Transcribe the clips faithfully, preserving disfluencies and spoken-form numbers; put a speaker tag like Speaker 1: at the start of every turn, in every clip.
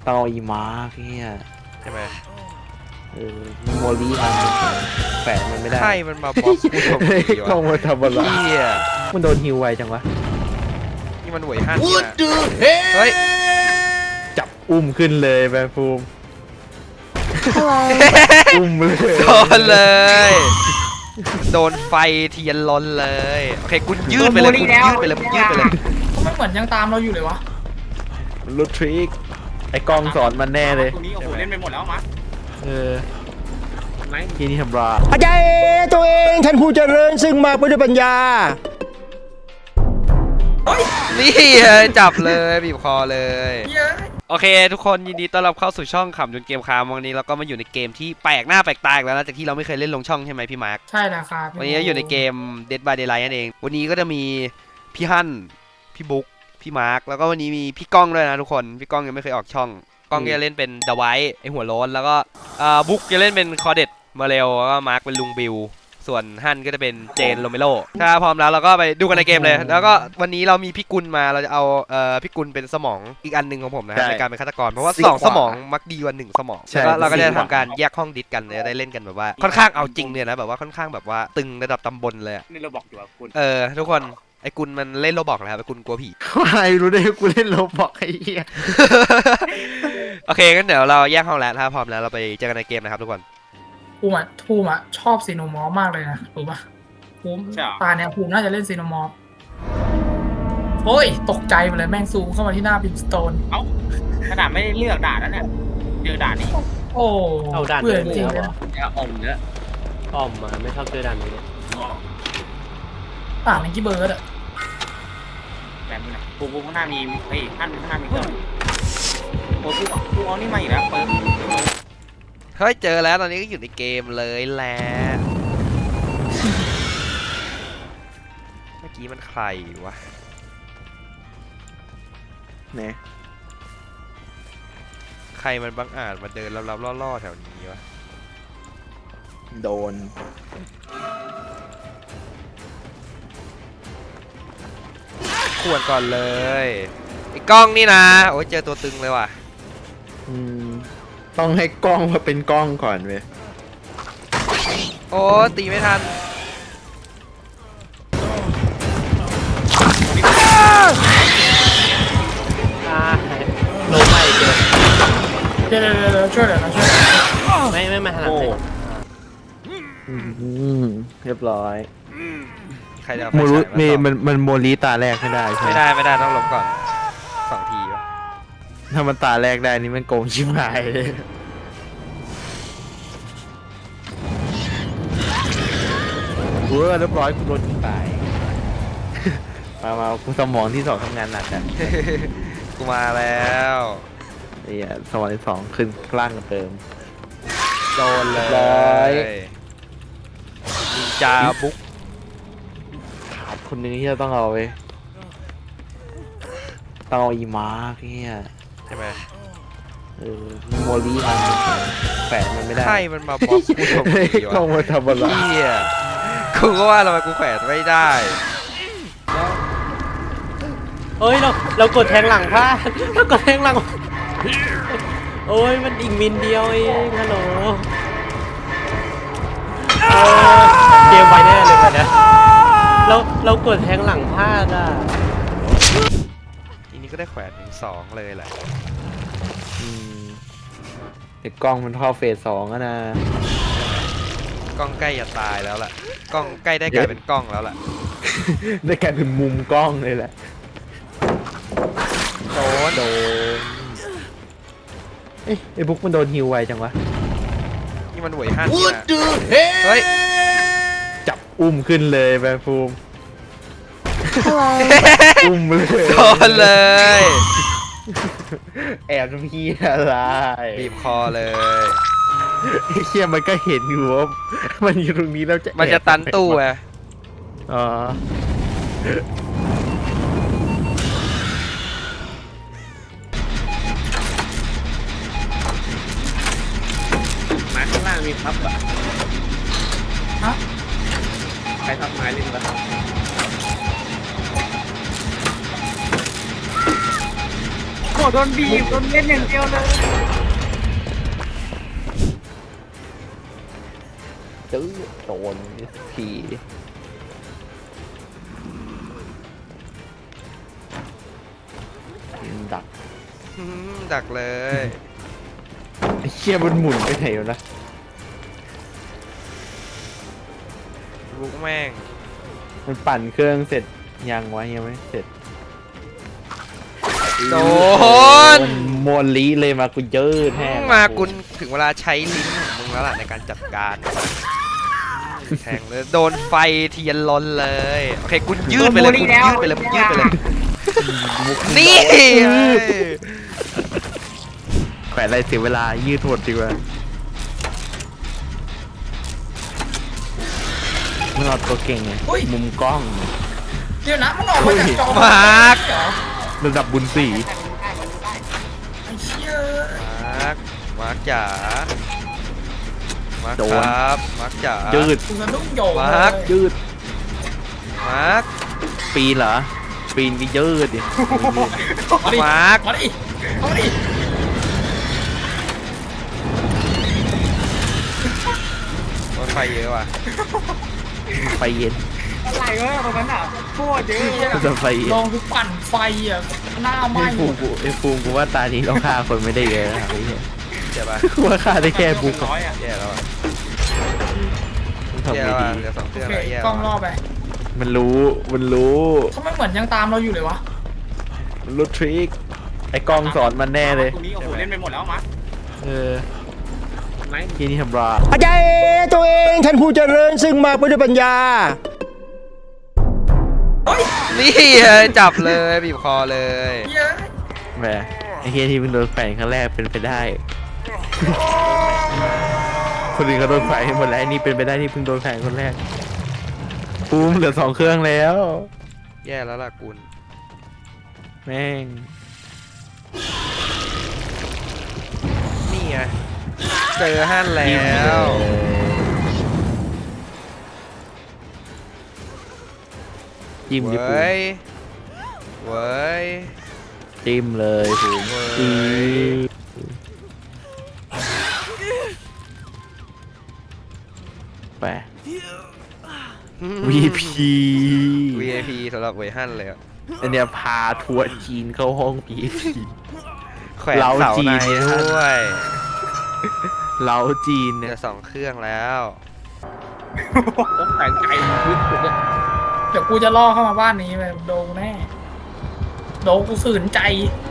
Speaker 1: เตาอีมาร์กเนี่ย
Speaker 2: ใช่ไหม
Speaker 1: เออโมลีมันแฝงมันไม่ได้
Speaker 2: ใครมันมาบล็อกกูทำไมวะ
Speaker 1: กล้องมาทำอะไร
Speaker 2: เฮีย
Speaker 1: มันโดนฮิวไวจังวะ
Speaker 2: นี่มันหวยฮั่นนี่นะเฮ้ย
Speaker 1: จับอุ้มขึ้นเลยแบฟูมอุ้มเลย
Speaker 2: โดนเลย โดนไฟเทียนล้นเลยโอเคคุณยืดไปเลยคุณยืดไปเลยคุณยืดไปเลย
Speaker 3: ไม่เหมือนยังตามเราอยู่เลยวะ
Speaker 1: ลูทริกไอ้กล้องสอนมันแน่เลย
Speaker 4: ตรงนี้โอ้โหเล่นไปหมดแล้วมั้ง
Speaker 1: เออทีนี้ทำรา
Speaker 5: อาจารย์ตัวเองท่านผู้เจริญซึ่งมาด้วยปัญญา
Speaker 2: นี่จับเลยบีบคอเลยโอเคทุกคนยินดีต้อนรับเข้าสู่ช่องขำจนเกมคามวันนี้เราก็มาอยู่ในเกมที่แปลกหน้าแปลกตาอีกแล้วนะจากที่เราไม่เคยเล่นลงช่องใช่ไหมพี่มาร์ค
Speaker 3: ใช่แล้วครับ
Speaker 2: วันนี้อยู่ในเกม Dead by Daylight นั่นเองวันนี้ก็จะมีพี่ฮั่นพี่บุ๊กพี่มาร์คแล้วก็วันนี้มีพี่ก้องด้วยนะทุกคนพี่ก้องยังไม่เคยออกช่องก้องจะเล่นเป็นเดอะไวท์ไอหัวโล้นแล้วก็บุ๊กจะเล่นเป็นคอเด็ดมาเร็วแล้วก็มาร์คเป็นลุงบิวส่วนฮั่นก็จะเป็นเจนโรเมโรถ้าพร้อมแล้วเราก็ไปดูกันในเกมเลย แล้วก็วันนี้เรามีพี่กุลมาเราจะเอาเอ่อพี่กุลเป็นสมองอีกอันหนึ่งของผมนะครับในการเป็นฆาตกรเพราะว่าสองสมองมักดีกว่าหนึ่งสมองแล้วเราก็จะทำการแยกห้องดิสกันจะได้เล่นกันแบบว่าค่อนข้างเอาจริงเนี่ยนะแบบว่าค่อนข้างแบบว่าตึงระดับตำบลเลย
Speaker 4: นี่เราบอกอยู่ว่าคุณ
Speaker 2: เออทุกคนไอ้กุลมันเล่นโรบอกนะครับไอ้กุลกลัวผี
Speaker 1: ใครรู้ได้กูเล่นโลบอกไอ้เหี้ย
Speaker 2: โอเคงั้นเดี๋ยวเราแยกห้องแล้วถ้าพร้อมแล้วเราไปเจอกันในเกมนะครับทุกคน
Speaker 3: ภูมิอ่ะภูมิอ่ะชอบซีโนมอร์มากเลยนะรู้ปะภูมิตาเนี่ยภูมิน่าจะเล่นซีโนมอร์โอ้ยตกใจไปเลยแม่งซูมเข้ามาที่หน้าบิมสโตน
Speaker 4: เอ้าขนาดไม่ได้เลือกด่านแล้วเนี่ยเจอด่านนี้
Speaker 3: โอ้
Speaker 6: เอาด่าน
Speaker 3: เบื่อ
Speaker 6: นี้
Speaker 3: จริง
Speaker 6: เลย
Speaker 3: ๆ
Speaker 6: เหร
Speaker 3: นะ
Speaker 6: อ
Speaker 4: เนี่ยอมเนื้อ
Speaker 6: อ้อมมาไม่ชอบเจอด่านนี้เลย
Speaker 3: ต่างในกี่เบิร์ดอ่ะ
Speaker 4: แบบนี้นะปูปูข้างหน้ามีเฮ้ยท่านข้างหน้ามีเครื่องโอ้ปูปูเอานี่มาอีกแล้วเปิด
Speaker 2: เฮ้ยเจอแล้วตอนนี้ก็อยู่ในเกมเลยแหละเมื่อกี้มันใครวะ
Speaker 1: เนี่ย
Speaker 2: ใครมันบังอาจมาเดินลับๆล่อๆแถวนี้วะ
Speaker 1: โดน
Speaker 2: ขวนก่อนเลยไอ้กล้องนี่นะโอ้ยเจอตัวตึงเลยว่ะ
Speaker 1: อืมต้องให้กล้องมาเป็นกล้องก่อนเว้ย
Speaker 2: โอ้ตีไม่ทัน
Speaker 6: อ่าลงไปเจอ
Speaker 3: เดี๋ยวเดี๋ยวเดี๋ยวช่วยเดี๋ยวนะช่วย
Speaker 6: ไม่ไม่มาถนัด
Speaker 4: โอ้
Speaker 6: เลย
Speaker 1: อืมเรียบร้อย
Speaker 2: ใครจะเอา
Speaker 1: โม
Speaker 2: ไฟ
Speaker 1: รุ
Speaker 2: ฉายมา
Speaker 1: มี
Speaker 2: ส่อง
Speaker 1: มันมันโมลีตาแรกไม่ได้ใช่ไหม
Speaker 2: ไม่ได้ไม่ได้ต้องลบก่อนสองทีวะ
Speaker 1: ถ้ามันตาแรกได้นี่มันโกงชิบหายเลยเว้ยเรียบร้อยกูโดนยิงตาย มามากูสมองที่สองทำงานหนักอ่ะ
Speaker 2: กูมาแล้ว
Speaker 1: ไอ้เหี้ยสมองที่สองขึ้นล่างกันเติม
Speaker 2: โดนเลย
Speaker 1: ร้อย
Speaker 2: นินจาบุ๊ก
Speaker 1: ขาดคนหนึงที่เราต้องเอาไว้ต้องเอาอีมาร์กเนี่ย
Speaker 2: ใช่ไหม
Speaker 1: เออโมลีมันแฝงมันไม่ได้
Speaker 2: ใครมันมาบล็อกกูทำไม
Speaker 1: กล้อง
Speaker 2: วะ
Speaker 1: มาทำอะไร
Speaker 2: เฮียกูก็ว่าทำไมกูแขวนไม่ได้
Speaker 6: เฮ้ยเราเรากดแทงหลังพลาดเรากดแทงหลังโอ้ยมันอีกมินเดียวเองฮัลโหลเออเกมไปแน่เลยไปนะเราเรากดแทงหลังพลาดอ่ะ
Speaker 2: ทีนี้ก็ได้แขวนถึงสองเลยแหละ
Speaker 1: อืมเด็กกล้องมันเข้าเฟสสองแล้วนะ
Speaker 2: กล้องใกล้จะตายแล้วล่ะกล้องใกล้ได้กลายเป็นกล้องแล้วล่ะ
Speaker 1: ได้กลายเป็นมุมกล้องเลยแหละ
Speaker 2: โดน
Speaker 1: โดนเอ้ยไอ้บุ๊กมันโดนฮิวไวจังวะ
Speaker 2: นี่มันหวยฮั่นนี่นะเฮ้ย
Speaker 1: จับอุ้มขึ้นเลยแบฟูมอุ้มเลย
Speaker 2: โดนเลย
Speaker 1: แอบทำพี่อะไร
Speaker 2: บีบคอเลย
Speaker 1: ไอ้เชี่ยมันก็เห็นอยู่ว่ามันอยู่ตรงนี้แล้วจะ
Speaker 2: มันจะตันตู้ไง
Speaker 1: อ๋อ
Speaker 4: มาข้างล่างมีพับอ่ะ
Speaker 3: ฮะ
Speaker 4: ใครทับไม้เล่นปะ
Speaker 3: เ
Speaker 4: โดนบีบโดนเล่นอย่างเดียวเลย
Speaker 1: ตื้อโดนทีดัก
Speaker 2: อืมดักเลย
Speaker 1: ไอ้เชี่ยมันหมุนไปไหนวะนะ
Speaker 2: บุกแม่ง
Speaker 1: มันปั่นเครื่องเสร็จยังวะยังไม่เสร็จ
Speaker 2: โดน
Speaker 1: มันโมลีเลยมากูเยอะแท้
Speaker 2: มากุนถึงเวลาใช้ลิ้นของมึงแล้วล่ะในการจัดการแทงเลยโดนไฟเทียนลนเลยโอเคกุนยืดไปเลยกุนยืดไปเลยกุนยืดไปเลยนี่
Speaker 1: แขวนอะไรเสียเวลายืดหดดีกว่าเมื่อเราตัวเก่งไงมุมกล้อง
Speaker 3: เดี๋ยวนะมันออกมาจากจอ
Speaker 2: มาร์ค
Speaker 3: เหรอ
Speaker 1: ระดับบุญสี
Speaker 3: ไอ้เชี่ย
Speaker 2: มาร์คมาร์คจ๋ามาร์คครับมาร์คจ๋า
Speaker 1: ยืด
Speaker 3: กูสะดุ้งโยง
Speaker 2: มาร์ค
Speaker 3: เลย
Speaker 1: ยืด
Speaker 2: มาร์ค
Speaker 1: ปีนเหรอปีนก็ยืดดิ
Speaker 3: มาดิ
Speaker 2: มาร์ค
Speaker 3: มาดิมาดิ
Speaker 2: รถไฟเยอะว่ะ
Speaker 1: ไฟเย็น
Speaker 4: อะไรวะตรงนั้นอ่ะโคตรเยอะเลยอะ
Speaker 1: จะไฟเย็น
Speaker 3: ลองกูปั่นไฟอ่ะหน้าไหม้
Speaker 1: ไอ้ฟูกูไอ้ฟูกูว่าตานี้เราฆ่าคนไม่ได้เยอะนะไอ้เหี้ย
Speaker 2: เจ็บปะ
Speaker 1: กูว่าฆ่าได้แค่บุก
Speaker 4: ร้อยอ่ะ
Speaker 2: แย่แล้วอ่ะ
Speaker 1: มันทำ
Speaker 2: แย่
Speaker 1: ไม่
Speaker 2: แล้ว
Speaker 1: ดี
Speaker 2: อ่ะเหลือสองเค
Speaker 3: โอ
Speaker 2: รื่อง
Speaker 3: เค
Speaker 2: แล้วแย่
Speaker 3: ก
Speaker 2: แล้
Speaker 3: ล้อง
Speaker 2: ว
Speaker 3: ล่อ
Speaker 2: อะ
Speaker 3: ไป
Speaker 1: มันรู้มันรู้
Speaker 3: ทำไมเหมือนยังตามเราอยู่เลยวะ
Speaker 1: มันรู้ทริคไอ้กล้องสอนมันแน่เลย
Speaker 4: ตรงนี้โอ้โหเล่นไปหมดแล้วมั้ง
Speaker 1: เออที่นี่ทำรา
Speaker 5: อาจารย์ตัวเองท่านผู้เจริญซึ่งมาไปด้วยปัญญา
Speaker 2: นี่จับเลยบีบคอเลย
Speaker 3: เย้ย
Speaker 1: แหมไอ้เฮียที่เพิ่งโดนแฝงครั้งแรกเป็นไปได้ คนอื่นก็โดนแฝงหมดแล้วไอ้นี่เป็นไปได้ที่เพิ่งโดนแฝงคนแรกปูมเหลือสองเครื่องแล้ว
Speaker 2: แย่แล้วล่ะกุล
Speaker 1: แม่ง
Speaker 2: นี่ไงเจอฮั่นแล้ว
Speaker 1: จิ้มดิปู
Speaker 2: เว้ยเว้ย
Speaker 1: จิ้มเลยปูม
Speaker 2: เว้ย
Speaker 1: อือไป วี พี
Speaker 2: วี ไอ พี สำหรับเวยฮั่นเลยอะ
Speaker 1: อันเนี้ยพาทัวร์จีนเข้าห้อง วี ไอ พี
Speaker 2: แขวน
Speaker 1: เรา
Speaker 2: เสา
Speaker 1: จี
Speaker 2: ใน
Speaker 1: นเนี่ย
Speaker 2: ด้วย
Speaker 1: เล้าจีน
Speaker 2: เหลื
Speaker 1: เนี่ย
Speaker 2: อสองเครื่องแล้ว
Speaker 4: ผมแต่งใจยึดสุดเลย
Speaker 3: เดี๋ยวกูจะล่อเข้ามาบ้านนี้ไปโดนแน่โดนกูฝืนใจ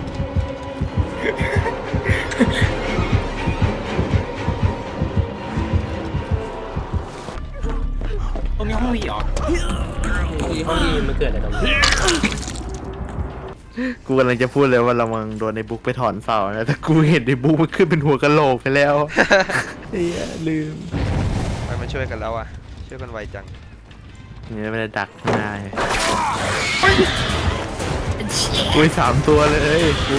Speaker 4: ตรงนี้ห้องวีเหรอ
Speaker 6: ที่ห้องนี้มันเกิดอะไรตรงนี้
Speaker 1: กูกำลังจะพูดเลยว่าเรามังโดนในบุ๊กไปถอนเสานะแต่กูเห็นในบุ๊กมันขึ้นเป็นหัวกะโหลกไปแล้วเฮียลืม
Speaker 2: ไปมาช่วยกันแล้วอ่ะ ช่วยกันไวจัง
Speaker 1: เนี่ยไม่ได้ดักหน้าเลย
Speaker 3: ไอ้เชี่ย
Speaker 1: อุ้ยสามตัวเลยกู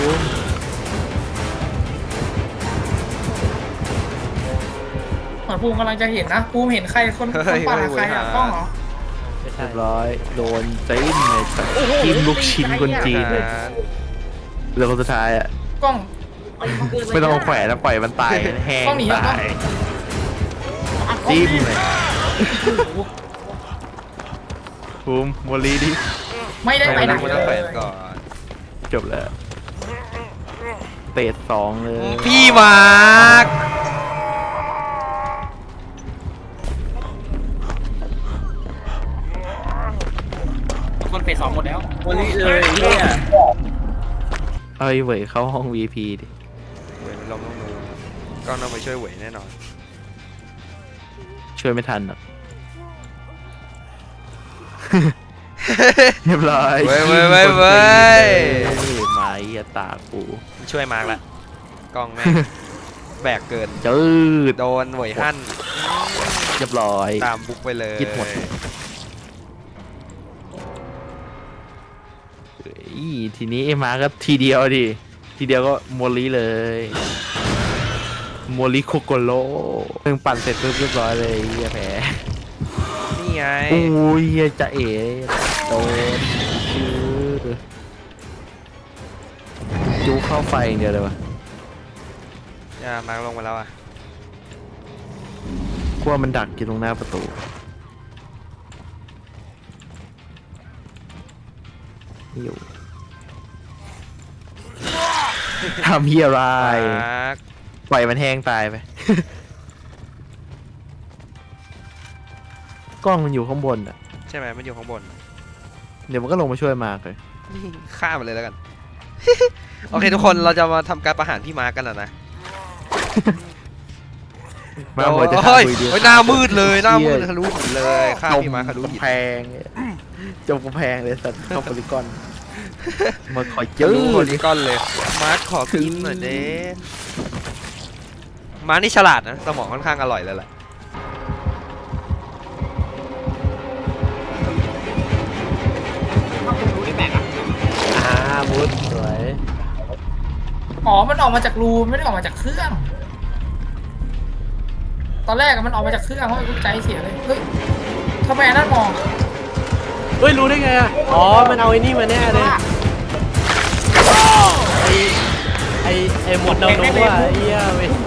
Speaker 3: เหมือนภูมิกำลังจะเห็นนะภูมิเห็นใครคนคนปั่นอะใครอ่ะกล้องเหรอ
Speaker 6: ไม่ใช่
Speaker 1: เรียบร้อยโดนจิ้มเลยสัตว์จิ้มลูกชิ้นคนจีนเลยแล้วคนสุดท้ายอ่ะ
Speaker 3: กล้อง
Speaker 1: ไม่ต้องเอาแขวนแล้วปล่อยมันตายแห้ง
Speaker 3: ต้องหนีอ่ะ
Speaker 1: ตายจิ้มเลยภูมิโมลีดิ
Speaker 3: ไม่ได้ไปไหน
Speaker 2: มัน
Speaker 3: เล
Speaker 2: ต้องแขวน
Speaker 3: ย
Speaker 2: ก่อน
Speaker 1: จบแล้วเตะสองเลย
Speaker 2: พี่มาร์ค
Speaker 4: คนเฟสสองหมดแล้ว
Speaker 6: วันนี้เลยเนี่ย
Speaker 1: เอาไอ้เหวยเข้าห้อง วี พี ดิ
Speaker 2: เวยมันล้มลงนูนก็ต้องไปช่วยเวยแน่นอน
Speaker 1: ช่วยไม่ทันหรอก เรียบร้อย
Speaker 2: เว้ยเว้ยเว้ยเว้ย
Speaker 1: ไม้ยาตากู
Speaker 2: ช่วยมาร์คละกล้องแม่ง แบกเกิน
Speaker 1: จืด
Speaker 2: โดนเวยฮั่น
Speaker 1: เรียบร้อย
Speaker 2: ตามบุกไปเลย
Speaker 1: ยึดหมด เฮ้ยทีนี้ไอ้มาก็ทีเดียวดิ ทีเดียวก็โมลีเลยโมลีโคโกโลเพิ่งปั่นเสร็จปุ๊บเรียบร้อยเลยเฮียแพ้
Speaker 2: นี่ไง
Speaker 1: โอ้ยเฮียจะเอ๋โดนชื่อจูเข้าไฟอย่างเดียวเลยวะ
Speaker 2: อย่ามาลงมาแล้วอ่ะ
Speaker 1: กลัวมันดักอยู่ตรงหน้าประตูอยู่ทำเฮียอะไร
Speaker 2: มาร์ค
Speaker 1: ปล่อยมันแห้งตายไป กล้องมันอยู่ข้างบนอ่ะ
Speaker 2: ใช่ไหมมันอยู่ข้างบน
Speaker 1: เดี๋ยวมันก็ลงมาช่วยมากเลย
Speaker 2: ฆ่ามันเลยแล้วกัน โอเคทุกคนเราจะมาทำการประหารพี่มาร์คกันแล้วนะ
Speaker 1: มาหมดจะ
Speaker 2: เฮ้ย
Speaker 1: คุยดียว
Speaker 2: เฮ้ยหน้ามืดเลยหน้ามืดทะลุหินเลยฆ่า
Speaker 1: จม
Speaker 2: พี่มาร์คทะลุหิน
Speaker 1: กำแพงจมกำแพงเลยสัตว์เข้าโพลีกอนมาคอยเจ
Speaker 2: ทะ
Speaker 1: อ
Speaker 2: ลุโพลีกอนเลย มาร์คขอกินหน่อยเด้มาร์คนี่ฉลาดนะสมองค่อนข้างอร่อยเลยแหละ
Speaker 4: ถ้าคุณรู้ที่แปลกอ่ะ
Speaker 6: อ่ามุดสวย
Speaker 3: อ๋อมันออกมาจากรูไม่ได้ออกมาจากเครื่อง ตอนแรกอะมันออกมาจากเครื่องเพราะใจเสียเลยเฮ้ยทำไมอันนั้นมอง
Speaker 6: เฮ้ยรู้ได้ไงอ่ะอ๋อมันเอาไอ้นี่มาแน่เลยไอไอไอหมดดาวนุว่าไอ้เหี้ยเว้ย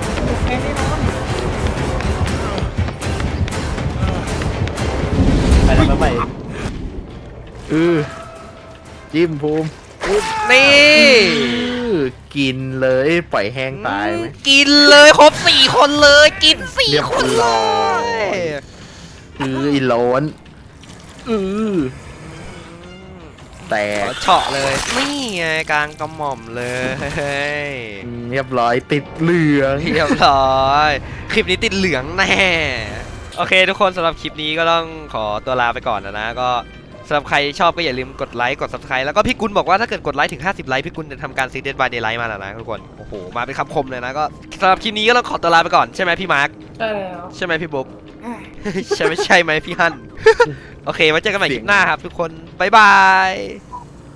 Speaker 6: ไปแล้วไปไป
Speaker 1: เออจิ้มภูมิ
Speaker 2: นี่
Speaker 1: อื้อกินเลยปล่อยแห้งตายไหม
Speaker 2: กินเลยครบสี่คนเลยกินสี่
Speaker 1: เรียบ
Speaker 2: คนเล
Speaker 1: ร้อย
Speaker 2: ย
Speaker 1: อืออีโลนอือแต
Speaker 2: ข
Speaker 1: ก
Speaker 2: อเฉาะเลยนี่ไงกลางกระหม่อมเลย
Speaker 1: อืมเรียบร้อยติดเหลือง
Speaker 2: เรียบร้อยคลิปนี้ติดเหลืองแน่โอเคทุกคนสำหรับคลิปนี้ก็ต้องขอตัวลาไปก่อนนะนะก็สำหรับใครชอบก็อย่าลืมกดไลค์กด ซับสไครบ์ แล้วก็พี่กุลบอกว่าถ้าเกิดกดไลค์ถึงห้าสิบไลค์พี่กุลจะทำการซีเดนบายเดย์ไลท์มาแล้วนะทุกคนโอ้โหมาเป็นคำคมเลยนะก็สำหรับคลิปนี้ก็ต้องขอตัวลาไปก่อนใช่ไหมพี่มาร์ค
Speaker 3: ใช่แล้ว
Speaker 2: ใช่ไหมพี่บุ๊ก ใช่ไหมใช่ไหมพี่ฮั่น โอเคไว้เจอกันใหม่คลิปหน้าครับทุกคน บ๊ายบาย